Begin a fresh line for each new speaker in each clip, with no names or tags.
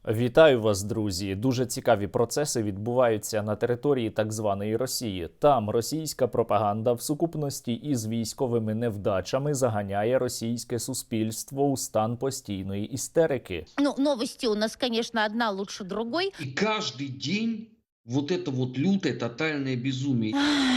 Вітаю вас, друзі! Дуже цікаві процеси відбуваються на території так званої Росії. Там російська пропаганда в сукупності із військовими невдачами заганяє російське суспільство у стан постійної істерики.
Ну, новости у нас, конечно, одна лучше другой.
И каждый день вот это вот лютое тотальное безумие.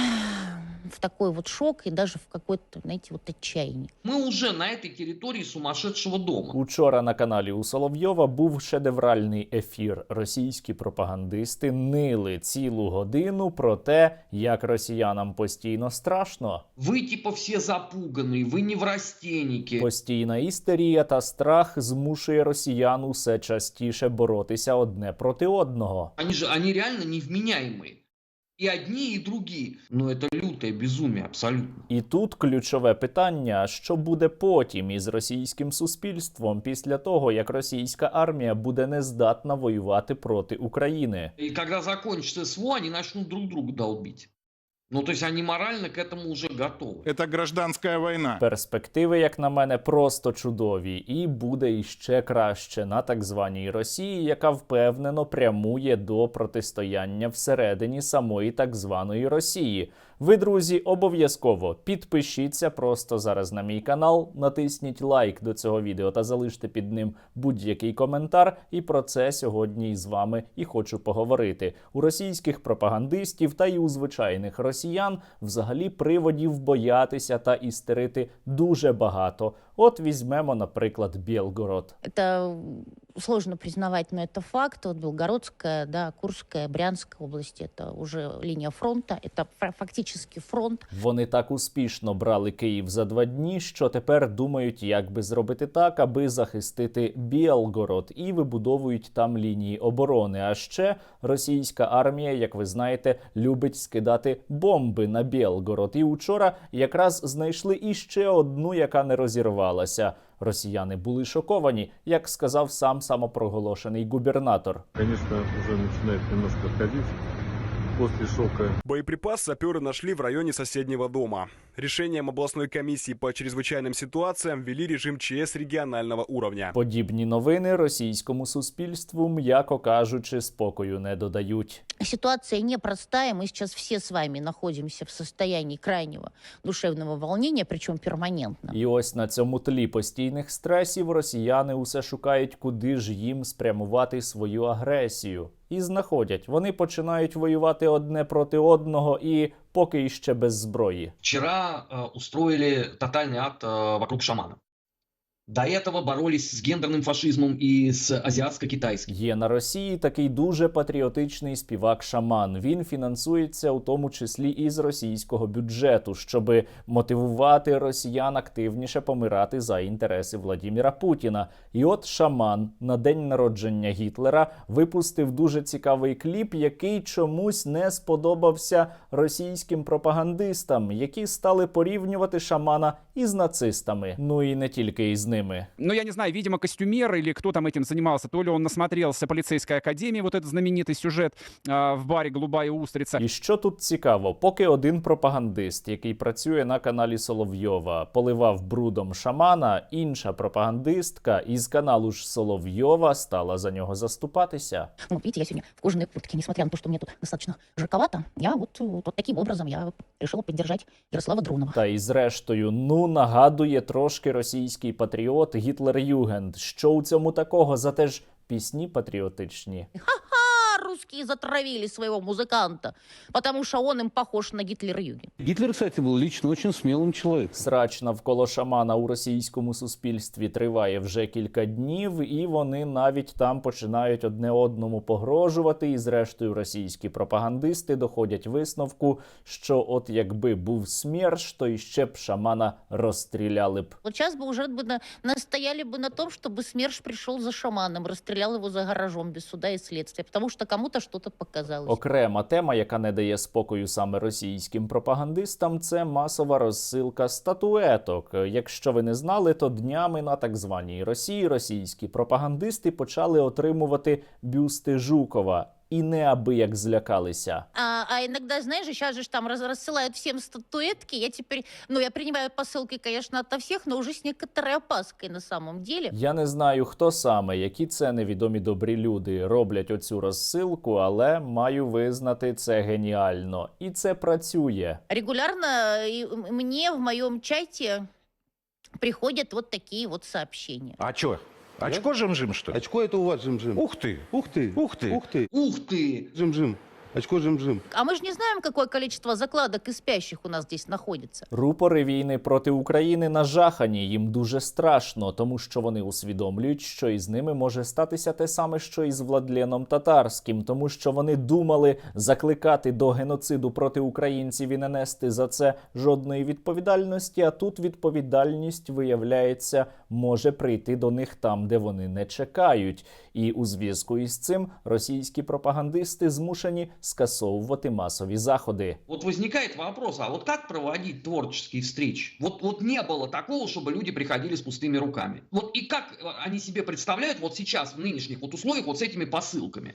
В такой вот шок и даже в какое-то, знаете, вот отчаяние.
Мы уже на этой территории сумасшедшего дома.
Учора на каналі у Соловйова був шедевральний ефір. Російські пропагандисти нили цілу годину про те, як росіянам постійно страшно.
Вы типа все запуганные, вы неврастенники.
Постійна істерія та страх змушує росіян усе частіше боротися одне проти одного.
Они реально невменяемые. И одни, и другие. Но это лютое безумие абсолютно.
І тут ключове питання, що буде потім із російським суспільством після того, як російська армія буде нездатна воювати проти України.
И когда закончится СВО, они начнут друг друга долбить. Ну, то есть они морально к этому уже готовы.
Это гражданская война.
Перспективи, як на мене, просто чудові. І буде іще краще на так званій Росії, яка впевнено прямує до протистояння всередині самої так званої Росії. Ви, друзі, обов'язково підпишіться просто зараз на мій канал, натисніть лайк до цього відео та залиште під ним будь-який коментар. І про це сьогодні із вами і хочу поговорити. У російських пропагандистів та й у звичайних росіян взагалі приводів боятися та істерити дуже багато. От візьмемо, наприклад, Білгород.
Это сложно признавать, но это факт. Вот Белгородская, да, Курская, Брянская области, это уже линия фронта, это фактически фронт.
Вони так успішно брали Київ за 2 дні, що тепер думають, як би зробити так, аби захистити Білгород, і вибудовують там лінії оборони. А ще російська армія, як ви знаєте, любить скидати бомби на Білгород. І учора якраз знайшли іще одну, яка не розірвалася. Росіяни були шоковані, як сказав сам самопроголошений губернатор.
Конечно, уже начинает немножко отходить после шока.
Боеприпас саперы нашли в районе соседнего дома. Решением областной комиссии по чрезвычайным ситуациям ввели режим ЧС регионального уровня.
Подібні новини російському суспільству, м'яко кажучи, спокою не додають.
Ситуация непростая. Мы сейчас все с вами находимся в состоянии крайнего душевного волнения, причем перманентно.
І ось на цьому тлі постійних стресів росіяни усе шукають, куди ж їм спрямувати свою агресію. І знаходять. Вони починають воювати одне проти одного і поки іще без зброї.
Вчера устроили тотальный акт вокруг шамана. До этого боролись с гендерным фашизмом и с азиатско-китайским.
Є на Росії такий дуже патріотичний співак-шаман. Він фінансується у тому числі із російського бюджету, щоб мотивувати росіян активніше помирати за інтереси Владіміра Путіна. І от шаман на день народження Гітлера випустив дуже цікавий кліп, який чомусь не сподобався російським пропагандистам, які стали порівнювати шамана із нацистами. Ну і не тільки із ними.
Ну, я не знаю, видимо, костюмер или кто там этим занимался, то ли он насмотрелся полицейской академии, вот этот знаменитый сюжет в баре «Голубая устрица».
І що тут цікаво, поки один пропагандист, який працює на каналі Соловйова, поливав брудом шамана, інша пропагандистка із каналу ж Соловйова стала за нього заступатися.
Ну, видите, я сегодня в кожаной куртке, несмотря на то, что мне тут достаточно жарковато, я вот таким образом я решила поддержать Ярослава Дронова.
Та і зрештою, нагадує трошки російський патріот Гітлер-Югенд. Що у цьому такого? Зате ж пісні патріотичні.
Ха-ха, русские затравили своего музыканта, потому что он им похож на Гитлер-Юген.
Гитлер, кстати, был лично очень смелым человеком.
Срач навколо шамана у російському суспільстві триває вже кілька днів, і вони навіть там починають одне одному погрожувати, і зрештою російські пропагандисти доходять висновку, що от якби був СМЕРШ, то іще б шамана розстріляли б.
Вот сейчас бы уже настояли бы на том, чтобы СМЕРШ пришел за шаманом, расстрелял его за гаражом без суда и следствия, потому что кому-то что-то показалось.
Окрема тема, яка не дає спокою саме російським пропагандистам, це масова розсилка статуеток. Якщо ви не знали, то днями на так званій Росії російські пропагандисти почали отримувати бюсти Жукова. і неабияк злякалися.
А иногда, знаешь, сейчас же там рассылают всем статуэтки. Я теперь, ну, я принимаю посылки, конечно, ото всех, но уже с некоторой опаской на самом деле.
Я не знаю, хто саме, які це невідомі добрі люди роблять оцю розсилку, але маю визнати, це геніально. І це працює.
Регулярно мне в моем чате приходят вот такие вот сообщения.
А чё? Очко жим-жим, что ли?
Очко это у вас жим-жим.
Ух ты!
Ух ты!
Ух ты!
Ух ты!
Ух ты!
Жим-жим. Очко жим-жим.
А мы же не знаем, какое количество закладок и спящих у нас здесь находится.
Рупори війни проти України нажахані, їм дуже страшно, тому що вони усвідомлюють, що із ними може статися те саме, що і з Владленом Татарським, тому що вони думали закликати до геноциду проти українців і не нести за це жодної відповідальності, а тут відповідальність, виявляється, може прийти до них там, де вони не чекають. І у зв'язку із цим російські пропагандисти змушені скасовувати масові заходи.
Вот возникает вопрос, а вот как проводить творческие встречи? Вот не было такого, чтобы люди приходили с пустыми руками. Вот и как они себе представляют вот сейчас в нынешних вот условиях вот с этими посылками?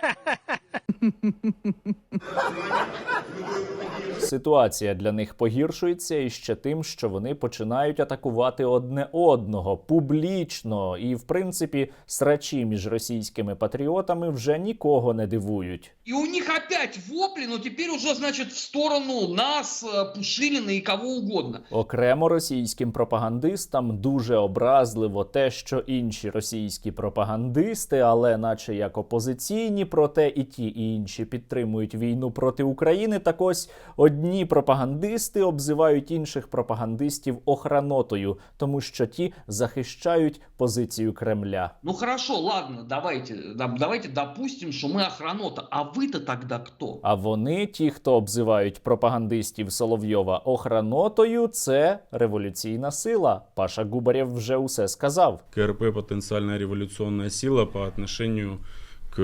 Ситуація для них погіршується іще тим, що вони починають атакувати одне одного публічно. І, в принципі, срачі між російськими патріотами вже нікого не дивують.
И у них опять вопли, но теперь уже, значит, в сторону нас, Пушилина и кого угодно.
Окремо російським пропагандистам дуже образливо те, що інші російські пропагандисти, але наче як опозиційні, проте і ті, і інші підтримують війну проти України. Так ось одні пропагандисти обзивають інших пропагандистів охранотою, тому що ті захищають позицію Кремля.
Ну хорошо, ладно, давайте допустим, что мы охранота, а вы-то тогда кто?
А вони, ті, хто обзивають пропагандистів Соловйова охранотою, це революційна сила. Паша Губарєв вже усе сказав.
КРП – потенциальная революционная сила по отношению к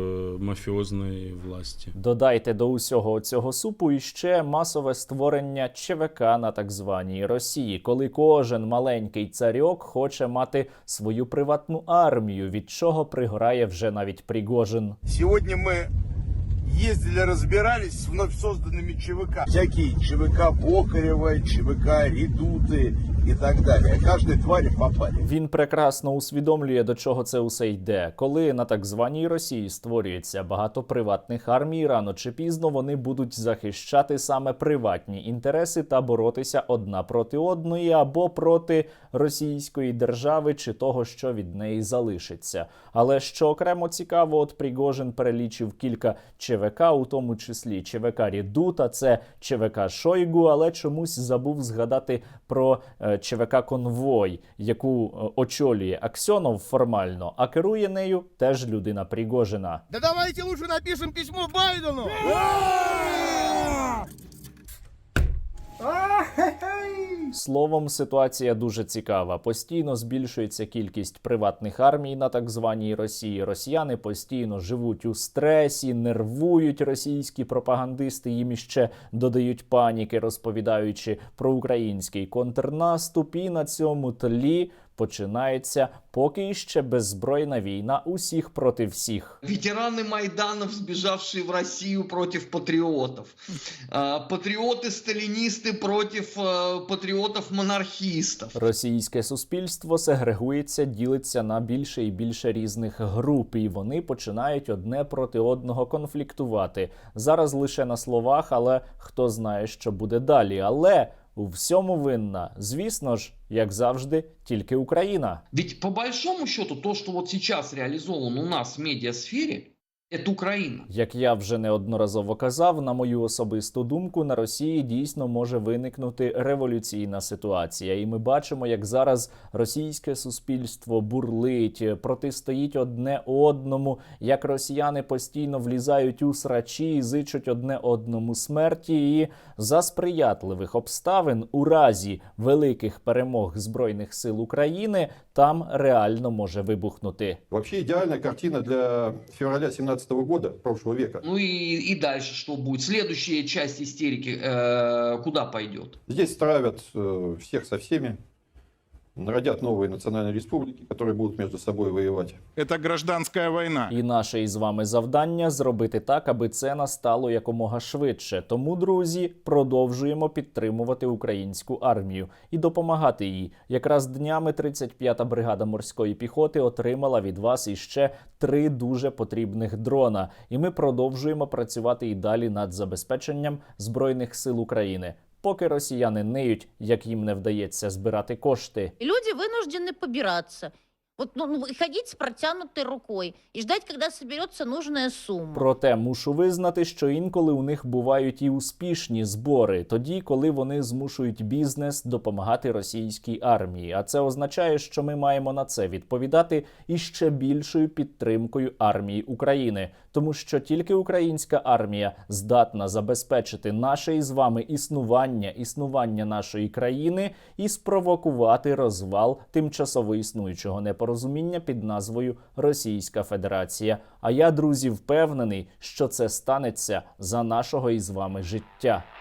мафіозної власті.
Додайте до усього цього супу іще масове створення ЧВК на так званій Росії, коли кожен маленький царьок хоче мати свою приватну армію, від чого пригорає вже навіть Пригожин.
Сегодня мы ездили, разбирались с вновь созданными ЧВК. Всякие ЧВК Бокарева, ЧВК Редуты и так далее. Каждой твари попали.
Він прекрасно усвідомлює, до чого це усе йде. Коли на так званій Росії створюється багато приватних армій, рано чи пізно вони будуть захищати саме приватні інтереси та боротися одна проти одної або проти російської держави чи того, що від неї залишиться. Але що окремо цікаво, от Пригожин перелічив кілька ЧВК, у тому числі ЧВК Редута, це ЧВК Шойгу, але чомусь забув згадати про ЧВК Конвой, яку очолює Аксьонов формально, а керує нею теж людина Пригожина.
Да давайте лучше напишем письмо Байдену!
Словом, ситуація дуже цікава. Постійно збільшується кількість приватних армій на так званій Росії. Росіяни постійно живуть у стресі, нервують російські пропагандисти, їм іще додають паніки, розповідаючи про український контрнаступ. І на цьому тлі починається поки іще беззбройна війна усіх проти всіх.
Ветераны Майданов, сбежавшие в Россию против патриотов. Патриоты-сталинисты против патриотов-монархистов.
Російське суспільство сегрегується, ділиться на більше і більше різних груп, і вони починають одне проти одного конфліктувати. Зараз лише на словах, але хто знає, що буде далі. Але у всьому винна, звісно ж, як завжди, тільки Україна.
Ведь по большому счету то, что вот сейчас реализовано у нас в медиасфере, это Украина.
Як я вже неодноразово казав, на мою особисту думку, на Росії дійсно може виникнути революційна ситуація. І ми бачимо, як зараз російське суспільство бурлить, протистоїть одне одному, як росіяни постійно влізають у срачі, зичуть одне одному смерті. І за сприятливих обставин у разі великих перемог Збройних сил України там реально може вибухнути.
Вообще идеальная картина для февраля 17 года, прошлого века.
Ну и дальше что будет? Следующая часть истерики куда пойдет?
Здесь травят всех со всеми. родят новые национальные республики, которые будут между собой воевать.
Это гражданская война.
І наше із вами завдання зробити так, аби це настало якомога швидше. Тому, друзі, продовжуємо підтримувати українську армію і допомагати їй. Якраз днями 35-та бригада морської піхоти отримала від вас іще 3 дуже потрібних дрона. І ми продовжуємо працювати і далі над забезпеченням Збройних сил України. Поки росіяни ниють, як їм не вдається збирати кошти.
И люди вынуждены побираться. Вот, и ходить с протянутой рукой и ждать, когда соберется нужная сумма.
Проте мушу визнати, що інколи у них бувають і успішні збори, тоді, коли вони змушують бізнес допомагати російській армії. А це означає, що ми маємо на це відповідати іще більшою підтримкою армії України. Тому що тільки українська армія здатна забезпечити наше із вами існування нашої країни і спровокувати розвал тимчасово існуючого непорозуміння під назвою Російська Федерація. А я, друзі, впевнений, що це станеться за нашого із вами життя.